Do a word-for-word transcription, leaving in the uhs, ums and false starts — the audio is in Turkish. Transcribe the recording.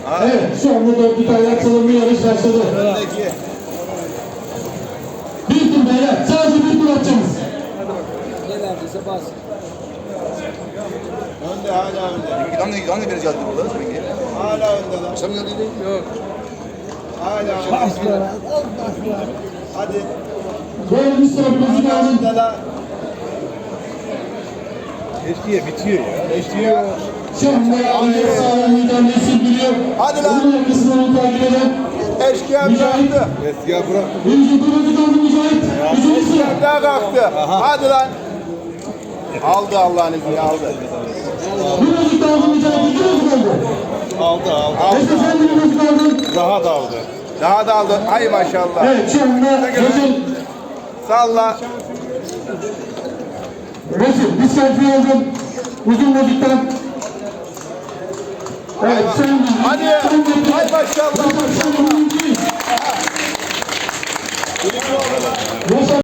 Evet, şu anda dört bir tane çalınma yarış başladı. Bir tur beyler, sadece bir tur atacağız. Ne verdiyse bas. Önde hala önde. Hangi hangi biri geldi burada? Seninki? Hala önde lan. Sen mi geldin? Yok. Hala önde. Hadi. Dördüncü sıra müzik Hala alın. önde lan. Eskiye bitiyor ya. Bitiyor. Şu anda Ankara sağlam müdahalesi sürdürüyor. Hadi lan. Bunun arkasından takip eden Eşkıya Mücahit. bıraktı. Eskiye bırak. Birinci kırmızı kaldı Mücahit. Üçüncü sıra. Eşkıya daha kalktı. Hadi lan. Aldı Allah'ın izniyle aldı. Birinci kaldı Mücahit. İki müzik kaldı. Aldı aldı. Eski sen bir müzik aldın. Daha da aldı. Daha da aldı. Hay maşallah. Evet, şu anda Resul. Salla. Resul, bir selfie aldın. Uzun müzikten. Evet, son müzik. Hadi. Son müzik. Hay maşallah. Resul, son müzik. Resul.